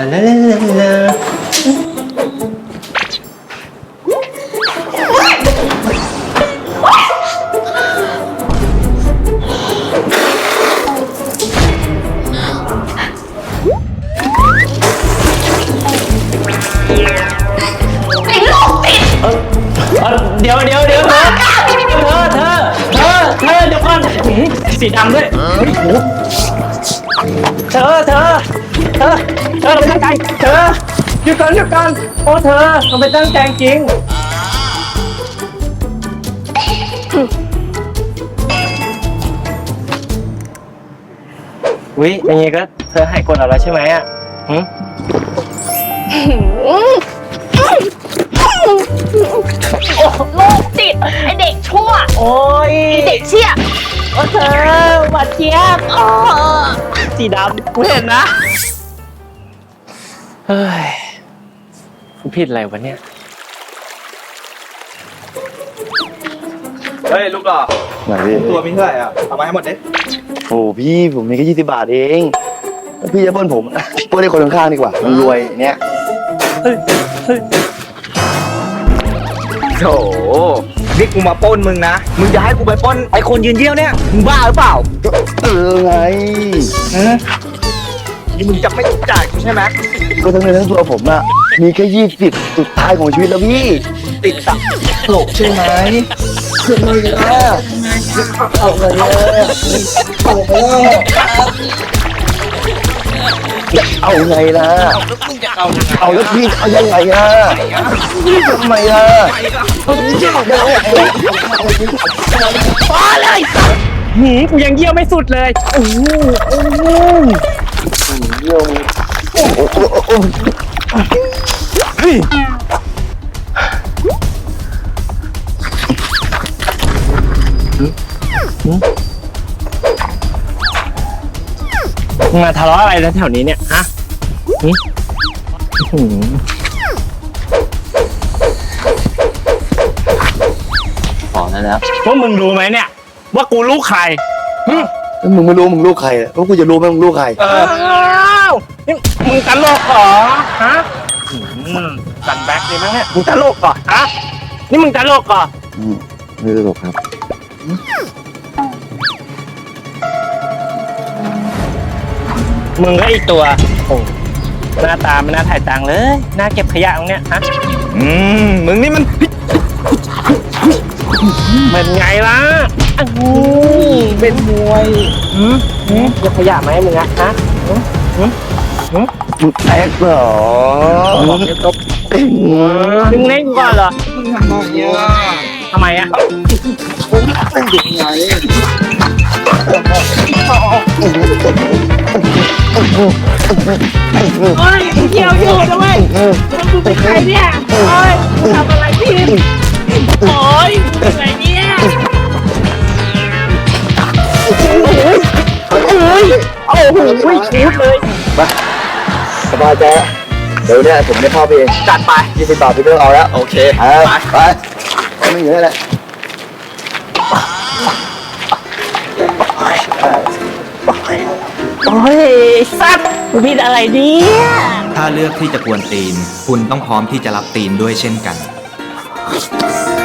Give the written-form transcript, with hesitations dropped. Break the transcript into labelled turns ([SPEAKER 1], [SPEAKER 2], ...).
[SPEAKER 1] ลาลาลาลาเดี๋ยวเธอเดี๋ยวก่อนสีดำด้วยเธอไม่ตั้งใจหยุดก่อนโอ้เธอมันไม่ตั้งใจจริงวิอย่างงี้ก็เธอหายกดแล้วใช่ไหมอ่ะ
[SPEAKER 2] โอ้โรคจิตไอเด็กชั่ว
[SPEAKER 1] โอ้ย
[SPEAKER 2] ไอเด็กเชี่ย
[SPEAKER 1] โอ้เธอหวานเจี๊ยบสีดำกูเห็นนะเฮ้ยกูผิดอะไรวะเนี่ย
[SPEAKER 3] เฮ้ยลูกหล่อ
[SPEAKER 4] ไหนพี่
[SPEAKER 3] ตัวมีเท่าไหร่อ่ะเอามาให้หมดดิ
[SPEAKER 4] โอ้พี่ผมมีแค่20 บาทเองแล้วพี่จะปล้นผมปล้นให้คนข้างๆดีกว่ามันรวยเนี่ย
[SPEAKER 3] โถนี่กูมาปล้นมึงนะมึงจะให้กูไปปล้นไอ้คนยืนเยี่ยวเนี่ยมึงบ้าหรือเปล่า
[SPEAKER 4] ก็ไง
[SPEAKER 3] นี่มึงจะไม่จ่ายกูใช่ไหม
[SPEAKER 4] ก็ทั้งเงินทั้งตัวผมอะมีแค่20สุดท้ายของชีวิตแล้วพี่
[SPEAKER 3] ติดตลกใช่ไหม
[SPEAKER 4] เอาไงล่ะเอาไงล่ะเอาไงล่ะ
[SPEAKER 3] แล้วมึงจะเอายังไง
[SPEAKER 4] เอาแล้วพี่เอายังไงล่ะทำไมล่ะ
[SPEAKER 1] พอเลยกูยังเยี่ยวไม่สุดเลยมาทะเลาะอะไรแถวนี้เนี่ยฮะ
[SPEAKER 4] อ๋อนั่นแล้ว
[SPEAKER 1] ว่ามึงรู้ไหมเนี่ยว่ากูลูกใคร
[SPEAKER 4] แล้วมึงไม่รู้มึงลูกใครแล้วกูจะรู้ไหมมึงลูกใคร
[SPEAKER 1] อ้าวนี่มึงตลกเหรอฮะสันแบ็คเลยมั้งเนี่ยมึงตลกเหรอฮะนี่มึงตลกเหรอ
[SPEAKER 4] ไม่ตลกครับ
[SPEAKER 1] มึงก็อีกตัวโอ้หน้าตาไม่น่าถ่ายตังค์เลยน่าเก็บขยะตรงเนี้ยฮะ
[SPEAKER 3] มึงนี่มัน
[SPEAKER 1] เป็นไงล่ะเป็นมวยเก็บขยะไหมมึงอะฮะ
[SPEAKER 4] มึงแอกเหรอ
[SPEAKER 1] มึงเล่นก่อนเหรอ
[SPEAKER 3] มึงทำนองเนี้ย
[SPEAKER 1] ทำไมอะ
[SPEAKER 3] เป็นเด็กไง
[SPEAKER 1] โอ้ยเกี่ยวอยู่นะเว้ยมึงเป็นใครเนี่ยโอ้ยมึงทำอะไรผิดโอ้ยมึงเป็นอะไรเนี่ยโอ้โหชุดเลย
[SPEAKER 4] มาสบายใจเดี๋ยวเนี่ยผมได้เข้าไปเอง
[SPEAKER 3] จัดไป
[SPEAKER 4] 20 บาทพี่เพิ่งเอาแล้ว
[SPEAKER 3] โอเค
[SPEAKER 4] ไปไม่เหลือแล้ว
[SPEAKER 1] โอ้ยสัตว์มึงผิดอะไรเนี่ย
[SPEAKER 5] ถ้าเลือกที่จะกวนตีน คุณต้องพร้อมที่จะรับตีนด้วยเช่นกัน